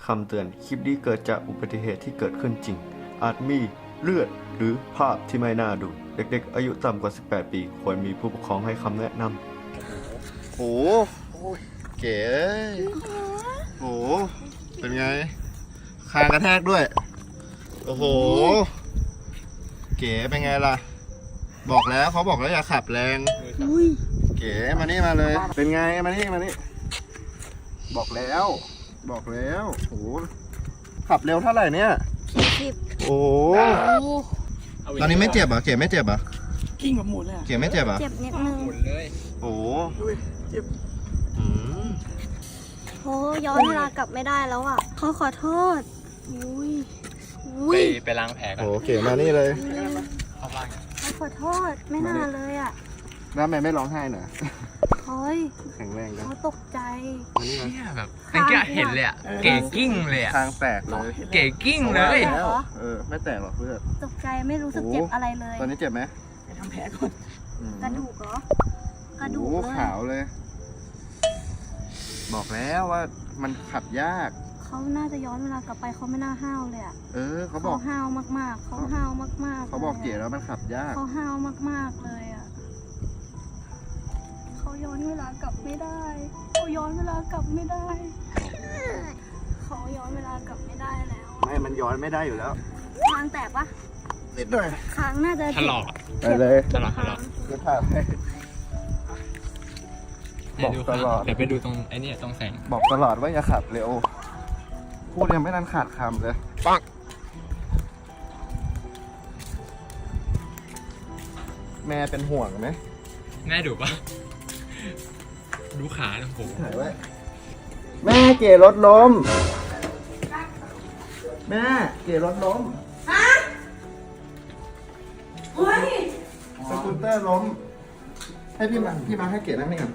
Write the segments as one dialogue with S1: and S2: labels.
S1: คำเตือน คลิปนี้เกิดจากอุบัติเหตุที่เกิดขึ้นจริง อาจมีเลือดหรือภาพที่ไม่น่าดู เด็กๆ อายุต่ำกว่า 18 ปี ควรมีผู้ปกครองให้คำแนะนำโอ้โหเก๋โอ้เป็นไง คางกระแทกด้วย โอ้โห เก๋เป็นไงล่ะ บอกแล้วเขาบอกแล้วอย่าขับแรง เก๋มานี่มาเลย เป็นไงมานี่บอกแล้วโอ้โหขับเร็วเท่าไหร่เนี่ย40โอ้ตอนนี้ไม่เจ็บเหรอเก๋ไม่เจ็บเหรอ
S2: กิ้งแบบหมุนเลย
S1: เก๋ไม่เจ็บเหรอ
S3: เจ็บนิดนึง
S1: โอ้
S2: เจ็บ
S3: โอ้ย้อนเวลากลับไม่ได้แล้วอ่ะเขาขอโทษอุ้ย
S4: ไปล้างแผลกัน
S1: โหเก๋มานี่เลย
S4: เข้าบ้าน
S3: เขาขอโทษไม่น่าเลยอ่ะ
S1: แล้วแม่ไม่ร้องไห้เหรอ
S3: เฮ้ย
S1: แข็งแรงนะ
S3: เขาตกใจ
S1: มานี่มา
S4: เนี่ยแบบเป็นแกเห็นเลยอ่ะ เก๋กิ้งเลยอ่ะ
S1: คางแตกเลย
S4: เก๋กิ้งเลย
S1: แล้วไม่แตกหรอกเพื่อน
S3: ตกใจไม่รู้สึกเจ็บอะไรเลย
S1: ตอนนี้เจ็บไหม
S2: ไปทำแผลก่อน
S3: กระดูกเหรอ กระดูก
S1: โอ้
S3: เลย
S1: ขาวเลย บอกแล้วว่ามันขับยาก
S3: เขาน่าจะย้อนเวลากลับไปเขาไม่น่าห้าวเลยอ่ะ
S1: เขาบอก
S3: ห้าวมากๆเขาห้าวมากๆ
S1: เขาบอกเก๋แล้วมันขับยาก
S3: เขาห้าวมากๆเลยอ่ะเขาย้อนเวลากลับไม่ได้เขาย้อนเวลากลับไม่ได้เขาย้อนเวลากลับไม่ได้แล้ว
S1: ไม่มันย้อนไม่ได้อยู่แล้ว
S3: คางแตกปะ
S1: นิดหน่อย
S3: คางน่าจะ
S4: ถลอก
S1: ไปเลย
S4: ถลอก
S1: จะถ่ายให้ บอกตลอด
S4: เดี๋ยวไปดูตรงไอ้นี่ตรงแสง
S1: บอกตลอดว่าอย่าขับเร็ว พูดยังไม่ทันขาดคำเลยปังแม่เป็นห่วงไหม
S4: แม่ดูปะดูขาโอ้โห
S1: ถ่ายไว้แม่เก๋รถล้ม แม่เก๋รถล้มสกูตเตอร์ล้ม ให้พี่มาให้เก๋นั่งนี่ก่อน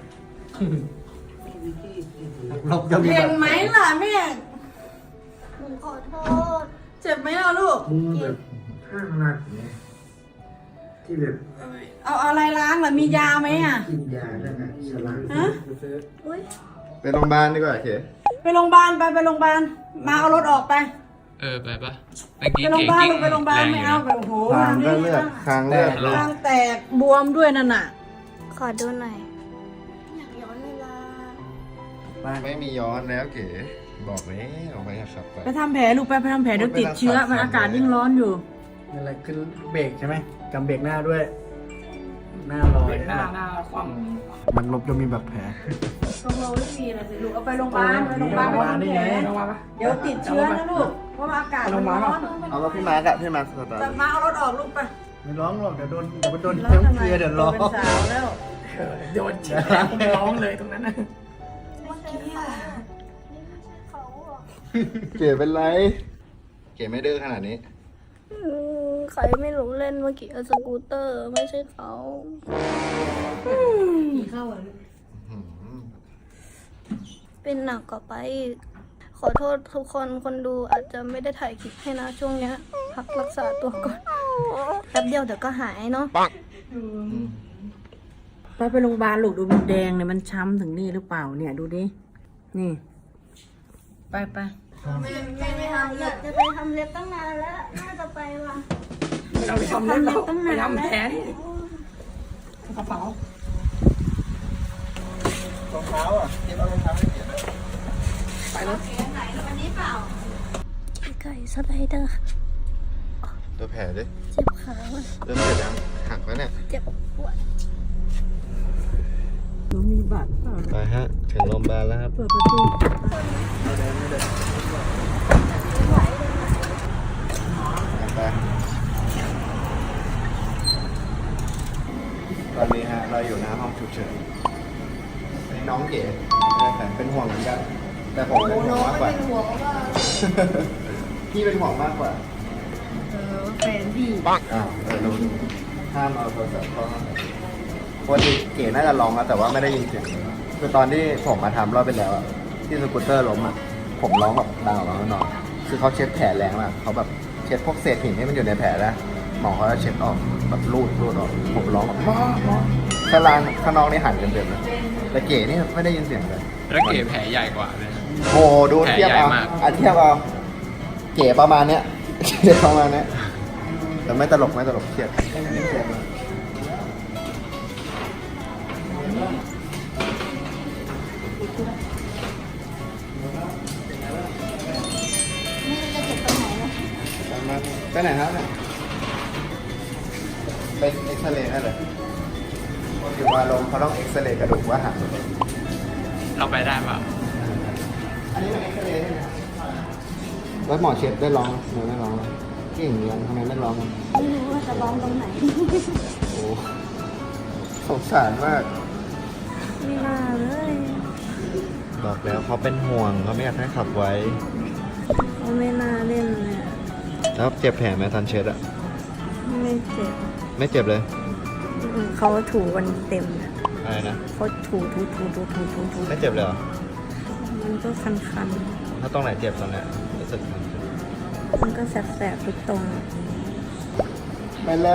S1: ลบจะมี
S2: เห็นไหมล่ะแม่
S3: หนูขอโทษ
S2: เจ็บไหมล่ะลูก
S5: มือแบบข้างหนักเนี่ยที่แบบ
S2: เอาอะไรล้างล่ะมียาไหมอ่ะ
S5: กินยาแล้วก็สลัง
S2: ฮะ
S3: อุ้ย
S1: ไปโรงพยาบาลดีกว่าเก๋
S2: ไปโรงพยาบาลไปโรงพยาบาลมาเอารถออกไป
S4: ไปปะเมื่อกี้
S2: ไปโรงพ
S4: เก๋
S2: ยาบาล
S4: กิ้ง
S2: ลูกไปโรงพยาบาลไม่เอาไปโอ้โห
S1: คางก็เลือดคางเลือด
S2: คางแตกบวมด้วยนั่นน่ะ
S3: ขอดูหน่อยอยากย้อนเวลา
S1: ไม่มีย้อนแล้วเก๋ บอกแล้วออกไปขับไป
S2: ไปทำแผลลูกไปทำแผลเดี๋ยวติดเชื้อมันอากาศยิ่งร้อนอยู่
S5: อะไรขึ้นเบรกใช่ไหมกำเบรกหน้าด้วย หน้าลอย
S2: หน้าความ
S1: มันลบจะมีแบบแผล
S2: ตรงเราไม่มีอะไรสิลูกเอาไปโรงพยาบาลไปโรงพยาบาลไปทำแผลเดี๋ยวติดเชื้อนะลูกเพราะว่าอากาศมันร้อน
S1: เอารถพี่มาร์กอะพี่มาร์กสตา
S2: จะ
S1: ร์ท
S2: มาเอารถออกลูกไป
S5: ไม่ร้องหรอกเดี๋ยวมันโดนเพิ่มเกลือเดี๋ยวร้อง
S2: เป็นสาวแล้ว
S5: โดนเชื้อร้องเลยตรงนั้นนะ
S3: เมื่อกี้อะนี่ไม่ใช่เขาอ่ะ
S1: เก๋เป็นไร เก๋ไม่ดื้อขนาดนี้
S3: ใครไม่รู้เล่นเมื่อกี้สกูตเตอร์ไม่ใช่เขา
S2: เข้าอ่ะ
S3: เป็นหนักกว่าไปอีกขอโทษทุกคนคนดูอาจจะไม่ได้ถ่ายคลิปให้นะช่วงเนี้ยพักรักษาตัวก่อนแป๊บเดียวเดี๋ยวก็หายเนาะ
S2: ไปโรงพยาบาลลูกดูมันแดงเนี่ยมันช้ำถึงนี่หรือเปล่าเนี่ยดูดินี่ไป
S3: ไม่ทำอยากจะไปทำเล็บตั้งนานแล้วน่าจะไปว่ะ
S2: เราไปทำเล็บเรา
S3: ตั้งนาน
S2: ไปทำแผล
S3: แล้ว
S2: กระเป๋าร
S1: องเท้าอ่ะเก็บเอารองเท้าให้เก๋
S2: ไปแล้ว
S3: ไก่สไลเดอร์
S1: ตัวแผลดิ
S3: เจ็บขาว่ะ
S1: เริ่มเจ็บยังหักแล้วเนี่ย
S3: เจ็บปวด
S2: หนูมีบัตรเปล่า
S1: ไปฮะ ถึงโรงพยาบาลแล้วครับ
S2: เปิดประตู
S1: ไปตอนนี้ฮะเราอยู่หน้าห้องฉุกเฉินน้องเก๋แต่เป็นห่วงเหมือนกัน แต่ผมเป็นห่วงมากกว่า พี่เป็นห่วงมากกว่า
S2: แฟนพี่
S1: อ้าวรู้ห้ามเอาโทรศัพท์เข้าห้องปกติเก๋น่าจะร้องแล้วแต่ว่าไม่ได้ยินเสียงคือตอนที่ผมมาทำรอบไปแล้วอะที่สกูตเตอร์ล้มอะผมร้องแบบดังออกมาข้างนอกคือเขาเช็ดแผลแรงมากเขาแบบเช็ดพวกเศษหินที่มันอยู่ในแผลนะหมอเขาจะเช็ดออกแบบรูดออกผมร้องแบบมอข้างล่างข้างนอกนี่หันกันเต็มเลยแต่เก๋นี่ไม่ได้ยินเสียงเลย
S4: แล้วเก๋แผลใหญ่กว่าเลยนะ
S1: โอ้ดูเทียบเอา
S4: แผลใหญ่มาก
S1: เทียบเอาเก๋ประมาณเนี้ยเก๋ประมาณเนี้ยแต่ไม่ตลกเครียดเครียดมาก ไปไหนครับเนี่ยเป็นเอ็กซเรย์ให้เลยอยู่มาลงเขาต้องเอ็กซเรย์กระดูกว่าหัก
S4: เราไปได้เปล่า
S1: อันนี้เป็นเอ็กซเรย์ใช่ไหมแล้วหมอเช็ดได้ร้องหรือไม่ร้องเก่งยังทำไมไม่ร้อง
S3: ไม่รู้ว่าจะร้องตรงไหน
S1: โอ้สงสารมาก
S3: ไม่น่าเลย
S1: บอกแล้วเขาเป็นห่วงเขาไม่อยากให้ขับไว้
S3: เขาไม่น่าเล่นเลยอะ
S1: แล้วเจ็บแผลไหมทันเช็ดอะ
S3: ไม่เจ็บ
S1: ไม่เจ็บเลย
S3: เขาถูกันเต็มเลย
S1: อะไรนะ
S3: เขาถู
S1: ไม่เจ็บเลยเหรอ
S3: มันก็คัน
S1: ถ้าตรงไหนเจ็บตอนเนี้ยรู้สึกคัน
S3: ๆมันก็แสบๆทุกตรงอะ
S1: ไปแล้ว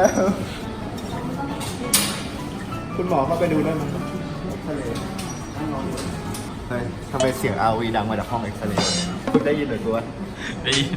S1: คุณหมอเข้าไปดูได้ไหมเอ็กซเรย์เฮ้ยทำไมเสียงอาวีดังมาจากห้องเอ็กซเรย์คุณได้ยินหรือกูวะ
S4: ได้ยิน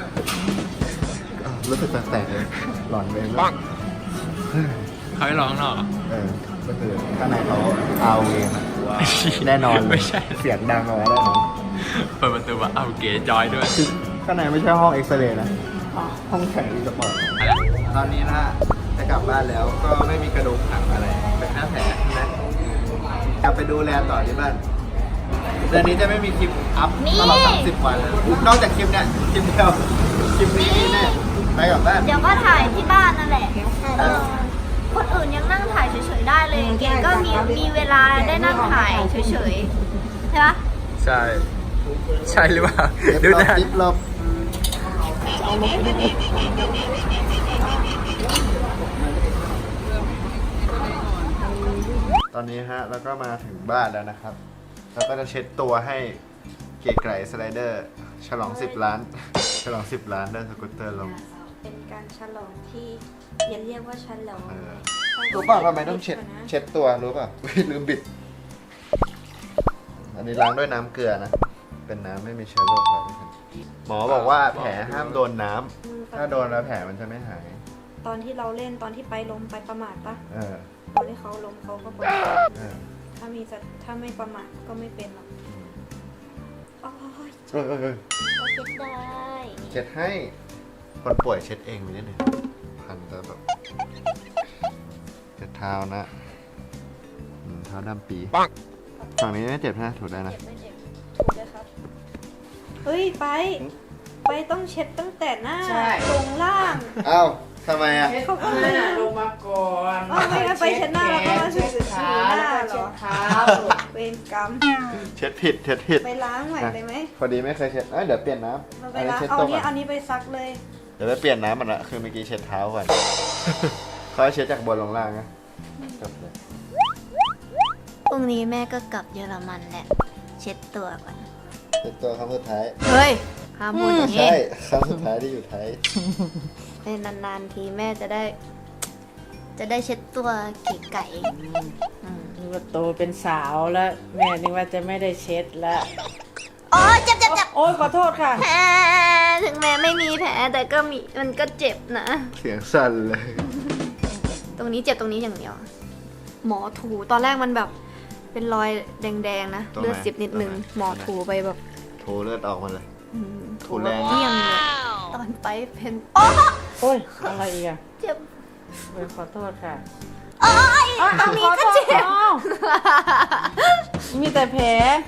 S1: รู้สึกแปลกๆเลยหลอนเองเลย
S4: เขาให้ร้องหรอ
S1: ก็คือข้างในเขาเอาเองว่าแน่นอนเลย
S4: ไม่ใช่
S1: เสียงดังออกมาแน่นอน
S4: เปิดประตูว่าเอาเก๋จอยด้วย
S1: คือข้างในไม่ใช่ห้องเอ็กซเรย์นะห้องแข่งรีสปอร์ต
S4: อะไร
S1: ตอนนี้นะจะกลับบ้านแล้วก็ไม่มีกระดูกหักอะไรเป็นแค่แผลนะกลับไปดูแลต่อที่บ้านเดือนนี้จะไม่มีคลิปอัพตลอด30 วันเลยนอกจากคลิปเนี้ยคลิปเดียวคลิปนี้มีแน่ไปกลับบ้าน
S3: เดี๋ยวก็ถ่ายที่บ้านนั่นแหละคนอื่นยังนั่งถ่ายเฉยๆได้เลย เก๋ก็มีเวลาได้นั่งถ่ายเฉยๆใช่ปะ
S4: ใช่ ใช่หรือเปล่า
S1: เดี๋ยว
S4: ดูนะ
S1: คลิปลบตอนนี้ฮะแล้วก็มาถึงบ้านแล้วนะครับ แล้วก็จะเช็ดตัวให้เก๋ไก่สไลเดอร์ ฉลอง 10 ล้าน ฉลอง 10 ล้านได้สกูตเตอร์ลง
S3: เป็นการฉลองที่อย่าเรียกว่าฉลอง
S1: รู้ป่ะทำไมต้องเช็ดตัวรู้ป่ะ ลืมบิด อันนี้ล้างด้วยน้ำเกลือนะ เป็นน้ำไม่มีเชื้อโรคอะไรหมอบอกว่าแผลห้ามโดนน้ำถ้าโดนแล้วแผลมันจะไม่หาย
S3: ตอนที่เราเล่นตอนที่ไปล้มไปประมาทปะ
S1: เออ
S3: ตอนที่เขาล้มเขาก็ประมาท
S1: เออ
S3: ถ้าไม่ประมาทก็ไม่เป็นหรอกโอ้ย
S1: เออ
S3: เราเช็ดได้
S1: เช็ดให้ คนป่วยเช็ดเองไปนิดหนึ่งพันแล้วแบบเช็ดเท้านะเท้าดำปีฝั่งนี้ไม่เจ็บนะถูได้นะ
S3: เจ็บไม่เจ็บถูกเลยครับเฮ้ยไปต้องเช็ดตั้งแต่หน้าตรงล่าง
S1: อ้าวทำไมอ่ะ
S2: เขาก็ไม่น่ะลงมาก่อน
S3: ไม่งั้นไปเช็ดหน้าแล้วก็มาเช็ดหน้าเหรอ
S2: เท้า
S3: เวรกรรม
S1: เช็ดผิด
S3: ไปล้างใหม่เลยไหม
S1: พอดีไม่เคยเช็ดเดี๋ยวเปลี่ยนน้
S3: เรา
S1: ำ
S3: ไป
S1: อันนี้
S3: ล้าง
S1: เช็ด
S3: เอา
S1: ตัว
S3: นี้
S1: ก่อน
S3: เอานี้ไปซักเลย
S1: เดี๋ยวไปเปลี่ยนน้ำมันละคือเมื่อกี้เช็ดเท้าก่อน เขาให้เช็ดจากบนลงล่างนะจบเลย
S3: พรุ่งนี้แม่ก็กลับเยอรมันแหละ เช็ดตัวก่อน
S1: เช็ดตัวครั้งสุดท้าย
S3: เฮ้ยห้ามพูดอย่างนี้
S1: ใช่ครั้งสุดท้ายที่อยู่ไทย
S3: เป็นนานๆทีแม่จะได้เช็ดตัวเก๋ไก่อืม
S2: นึกว่าโตเป็นสาวแล้ว แม่นึกว่าจะไม่ได้เช็ดแล้ว
S3: โอ้ยเจ็บ
S2: โอ้ยขอโทษค่ะ
S3: แผลถึงแม้ไม่มีแผลแต่ก็มีมันก็เจ็บนะ
S1: เสียงสั่นเลย
S3: ตรงนี้เจ็บตรงนี้อย่างเดียว หมอถูตอนแรกมันแบบเป็นรอยแดงๆนะ
S1: ตรงไหน
S3: เลือดซิบนิดนึง
S1: ตรงไหน
S3: หมอถูไปแบบ
S1: โถเลือดออกมาเลย
S3: อืม
S1: ถูแรง
S3: เยี่ยมเลยตอนไปเป็นโอ้
S2: โอ้ยอะไรอีกอะ
S3: เจ็บ
S2: โอ้ยขอโทษค่ะ
S3: โอ้ยตรงนี้ก็เจ็บ
S2: อ้าวมีแต่แผล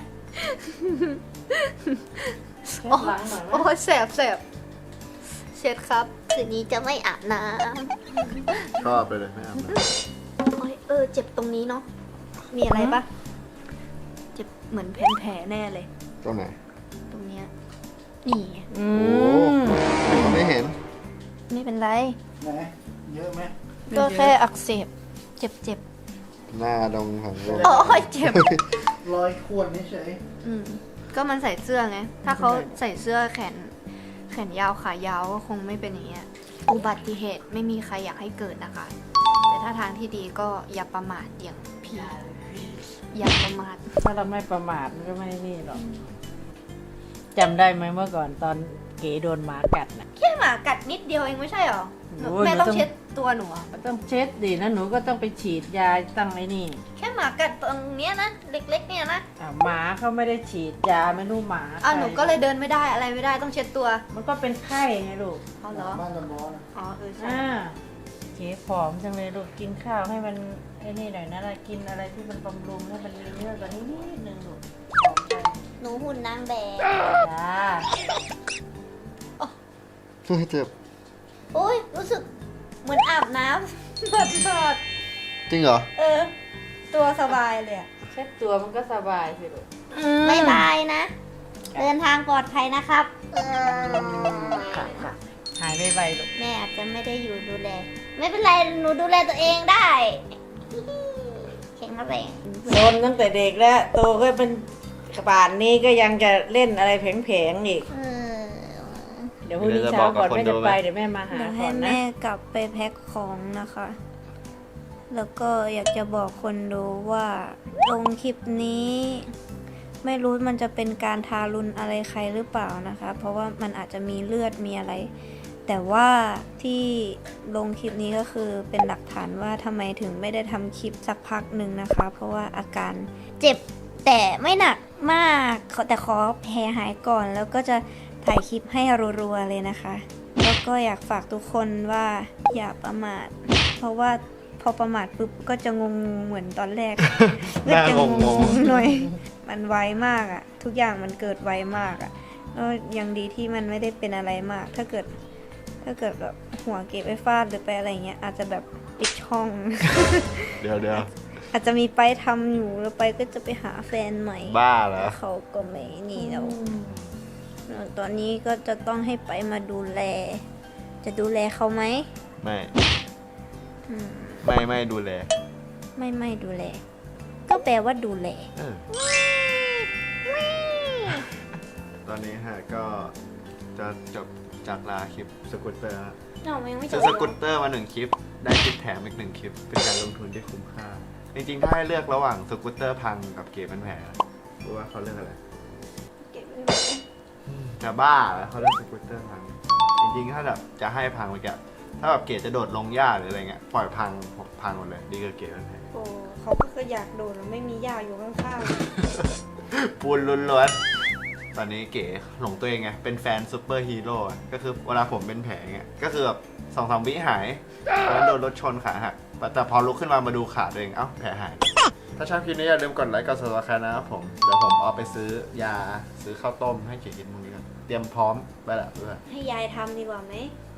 S2: เช็ดหลังหน่อยไหม
S3: โอ้ยแสบเช็ดครับคืนนี้จะไม่อาบน้
S1: ชอบไปเลยไม่อาบน้
S3: ำโอ้ยเจ็บตรงนี้เนาะมีอะไรปะเจ็บเหมือนแผลแน่เลย
S1: ำตรงไหน
S3: ตรงเนี้ยนี่
S2: อื
S1: โอ้
S2: ม
S1: ไม่เห็น
S3: ไม่เป็นไร
S5: ไหนเยอะไหม
S3: ก็แค่อักเสบเจ็บ
S1: หน้าดงของโลก
S3: โอ้ยเจ็บ
S5: รอยข่วนเฉย
S3: อืมก็มันใส่เสื้อไง ถ้าเขาใส่เสื้อแขนยาวขายาวก็คงไม่เป็นอย่างเงี้ย อุบัติเหตุไม่มีใครอยากให้เกิดนะคะ แต่ถ้าทางที่ดีก็อย่าประมาทอย่างพี่ อย่าประมาท
S2: ถ้าเราไม่ประมาทมันก็ไม่นี่หรอก
S6: จำได้ไหมเมื่อก่อนตอนเก๋โดนหมากัดน่ะ
S3: แค่หมากัดนิดเดียวเองไม่ใช่หรอ
S6: โอ้ย
S3: แม่
S6: หนู
S3: ต้อ
S6: ต้อง
S3: งเช็ดตัวหนูอะ
S6: ก็ต้องเช็ดดิแล้วหนูก็ต้องไปฉีดยาตั้งไอ้นี่
S3: แค่หมากัดตรงเนี้ยนะเล็กๆเนี่ยนะ
S6: หมาเขาไม่ได้ฉีดยาไม่รู้หมา
S3: หนูก็เลยเดินไม่ได้อะไรไม่ได้ต้องเช็ดตัว
S6: มันก็เป็นไข้ไงลูก
S3: เอาเหรอ
S5: บ้านตะบอนะ
S3: อ๋อใช่
S6: เก๋ผอมจังเลยลูกกินข้าวให้มันไอ้นี่หน่อยนะกินอะไรที่มันบำรุงให้มันมีเนื้อกว่านี้นิดนึงลูกผอมไป
S3: หนูหุ่นนางแบบ
S6: จ้า
S1: เจ็บ
S3: โอ้ยรู้สึกเหมือนอาบน้ำ เปิด
S1: จริงเหรอ
S3: ตัวสบายเลยอะ
S6: เช็ดตัวมันก็สบายสิลูก
S3: บายบายนะ เดินทางปลอดภัยนะครับ
S6: ค่ะหายไวๆลูก
S3: แม่อาจจะไม่ได้อยู่ดูแล ไม่เป็นไรหนูดูแลตัวเองได้แข็งแรง
S6: โดนตั้งแต่เด็กแล้วโตก็เป็นป่านนี้ก็ยังจะเล่นอะไรแผลงๆอีก เดี๋ยวพรุ่งนี้เช้าก่อนแม่จะไปเดี๋ยวแม่มาหา
S3: เดี๋ยว
S6: ก่
S3: ให้
S6: อนนะ
S3: แม่กลับไปแพ็คของนะคะ แล้วก็อยากจะบอกคนดูว่าลงคลิปนี้ ไม่รู้มันจะเป็นการทารุณอะไรใครหรือเปล่านะคะ เพราะว่ามันอาจจะมีเลือดมีอะไร แต่ว่าที่ลงคลิปนี้ก็คือเป็นหลักฐานว่าทำไมถึงไม่ได้ทำคลิปสักพักหนึ่งนะคะ เพราะว่าอาการเจ็บแต่ไม่หนักมากแต่ขอแผลหายก่อน แล้วก็จะถ่ายคลิปให้รัวๆเลยนะคะ แล้วก็อยากฝากทุกคนว่าอย่าประมาท เพราะว่าพอประมาทปุ๊บก็จะงงเหมือนตอนแรก ก็จะงงๆหน่อย มันไวมากอะทุกอย่างมันเกิดไวมากอะแล้วยังดีที่มันไม่ได้เป็นอะไรมาก ถ้าเกิดแบบหัวเก็บไปฟาดหรือไปอะไรเงี้ยอาจจะแบบปิดช่อง
S1: เดี๋ยว
S3: อาจจะมีไปทำอยู่แล้วไปก็จะไปหาแฟนใหม่
S1: บ้าเหรอ
S3: เขาก็ไม่นี่แล้วตอนนี้ก็จะต้องให้ไปมาดูแล จะดูแลเขาไหม
S1: ไม่
S3: อืม
S1: ไม่ดูแล
S3: ไม่ดูแล ก็แปลว่าดูแล
S1: ตอนนี้ฮะก็จะจบจากลาคลิปสกูตเตอร์ฮะ
S3: เรายังไม่จ
S1: ซื้อบ สกูตเตอร์มา1คลิป ได้คลิปแถมอีก1คลิป เป็นการลงทุนที่คุ้มค่า จริงๆ ถ้าให้เลือกระหว่างสกูตเตอร์พังกับเก็บเป็นแผลรู้ว่าเขาเลือกอะไร
S3: เก็บไว้ไหน
S1: จะบ้าแล้วเขาเลือกสกูตเตอร์พัง จริงๆ ถ้าแบบจะให้พังไปแกถ้าแบบเกรดจะโดดลงหญ้าหรืออะไรเงี้ย ปล่อยพังหมดเลย ดีกว่าเกรดเป็นแผล
S3: โอ้เขาก็คืออยากโดนแล้วไม่มียาอยู่ข้าง
S1: ปูนล้วนๆ ตอนนี้เก๋หลงตัวเองไง เป็นแฟนซูเปอร์ฮีโร่อะก็คือเวลาผมเป็นแผลเงี้ย ก็คือแบบ2-3 วิหายแล้วโดนรถชนขาหัก แต่พอลุกขึ้นมาดูขาตัวเอง เอ้าแผลหาย ถ้าชอบคลิปนี้อย่าลืมกดไลค์กด subscribe นะครับผม เดี๋ยวผมเอาไปซื้อยา ซื้อข้าวต้มให้เก๋กินพรุ่งนี้กันเตรียมพร้อมไปละเพื่อน
S3: ๆให้ยายทำดีกว่าไหม
S1: ไ